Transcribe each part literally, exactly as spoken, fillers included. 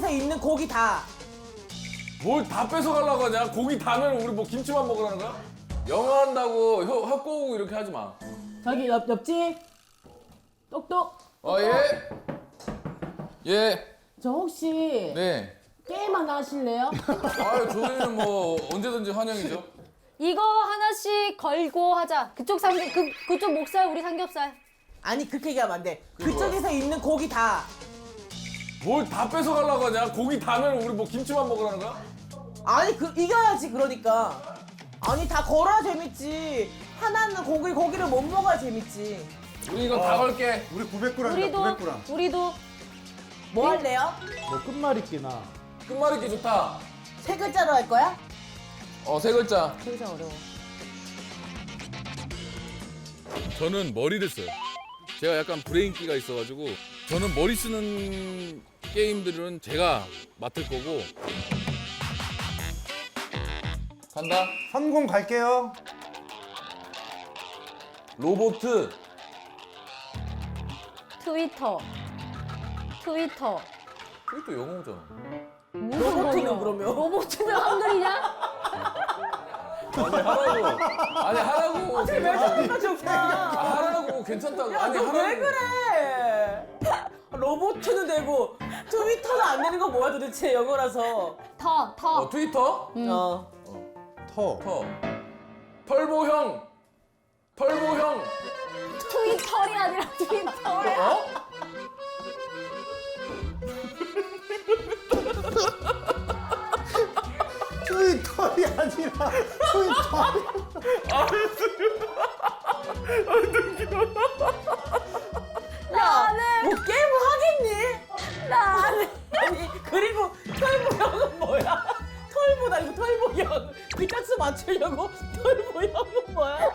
그쪽에서 있는 고기 다. 뭘 다 뺏어가려고 하냐? 고기 다면 우리 뭐 김치만 먹으라는 거야? 영어 한다고 혀, 혀 꼬우고 이렇게 하지 마. 저기 옆, 옆집. 똑똑. 어, 예. 예. 저 혹시 네. 게임 하나 하실래요? 아유, 저희는 뭐 언제든지 환영이죠. 이거 하나씩 걸고 하자. 그쪽 삼겹 그 그쪽 목살 우리 삼겹살. 아니 그렇게 얘기하면 안 돼. 그게 그쪽에서 있는 고기 다. 뭘 다 뺏어가려고 하냐? 고기 다면 우리 뭐 김치만 먹으라는 거야? 아니 그 이겨야지 그러니까. 아니 다 걸어야 재밌지. 하나는 고기 고기를 못 먹어야 재밌지. 우리 이거 다 걸게. 우리 구백 그램이다, 우리도 구백 그램. 우리도 뭐 할래요? 뭐 끝말잇기나. 끝말잇기 좋다. 세 글자로 할 거야? 어, 세 글자. 글자 어려워. 저는 머리를 써요. 제가 약간 브레인기가 있어가지고 저는 머리 쓰는 게임들은 제가 맡을 거고. 간다. 삼공 갈게요. 로보트. 트위터. 트위터. 그것도 영어잖아. 무슨 로봇은 거요? 그러면? 로봇은 한글이냐? 아니 하라고. 아니 하라고. 왜 저기까지 아, 웃냐? 하라고 괜찮다고. 아니 너 왜 하라고. 그래? 로봇은 되고 트위터는 안 되는 거 뭐야 도대체 영어라서. 터, 터. 어, 트위터? 어. 터. 터. 털보형. 털보형. 트위터이 아니라 트위터야. 어? 트위터이 아니라 트위터. 나는 뭐 게임을 하겠니? 나는 아니 그리고 털보형은 뭐야? 털보다 이거 털보형 글자수 맞추려고 털보형은 뭐야?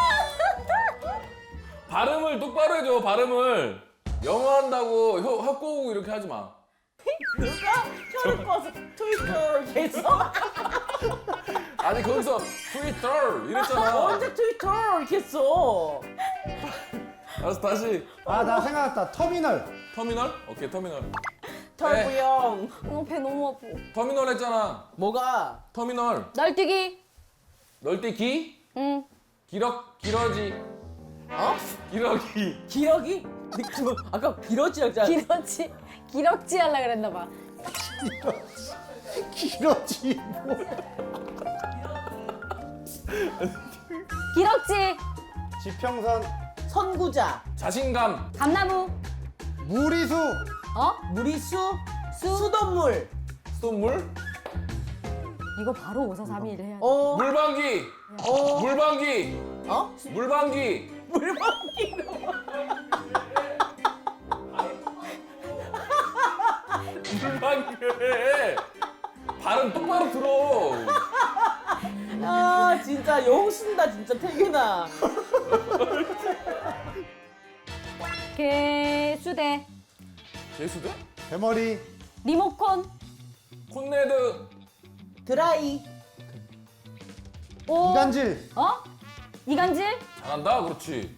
발음을 똑바로 해줘. 발음을. 영어 한다고 혀, 혀 꼬우고 이렇게 하지 마. 누가 혀를 꺼서 트위터 했어? 아니 거기서 트위터 이랬잖아. 언제 트위터 했어? 알았어 다시. 아, 나 생각났다. 터미널. 터미널? 오케이 터미널. 털보형. 어, 배 너무 아파. 터미널 했잖아. 뭐가? 터미널. 날뛰기. 널뛰기. 응. 기럭 기러지. 어? 기러기. 기러기? 느낌 아까 기러지였잖아. 기럭지. 기럭지 하려 그랬나 봐. 길어지. 뭐. 기럭지. 지평선. 선구자. 자신감. 감나무. 무리수. 어? 무리수. 수돗물. 수돗물. 이거 바로 오사삼일 해야 돼. 어. 물방기. 어. 물방기. 어? 물방기. 물방기로. 물방기. 발음 똑바로 들어. 아 진짜 용 쓴다 진짜 태균아. 개수대. 개수대? 대머리. 리모컨. 콘네드. 드라이. 오. 이간질. 어? 이간질? 잘한다. 그렇지.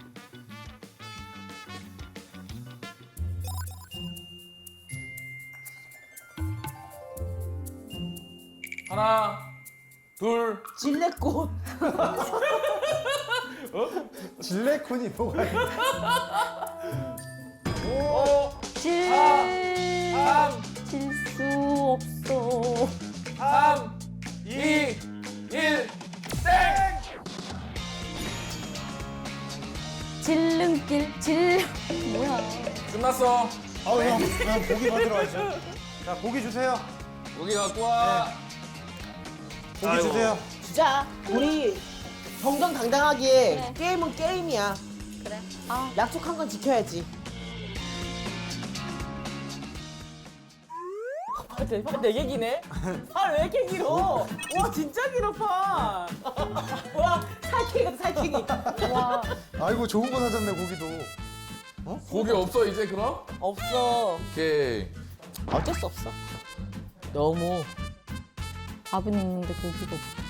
하나, 둘, 질레꽃. 질레콘이 뭐가 있어? 오, 질. 삼, 질 수 없어. 삼, 이, 일, 땡! 질릉길. 질. 뭐야. 끝났어. 아우, 형, 형 고기 받으러 가시죠. 자, 고기 주세요. 고기 갖고 와. 고기 아이고. 주세요. 진짜 우리 정정당당하게 네. 게임은 게임이야. 그래. 아. 약속한 건 지켜야지. 팔 네 개 기네? 팔 왜 이렇게 길어? 와 진짜 길어 팔. 와 살쾡이 같아 살쾡이. 와. 아이고, 좋은 거 사셨네, 고기도. 고기 없어 이제 그럼? 없어. 오케이. 어쩔 수 없어. 너무 밥은 있는데 고기가 없어.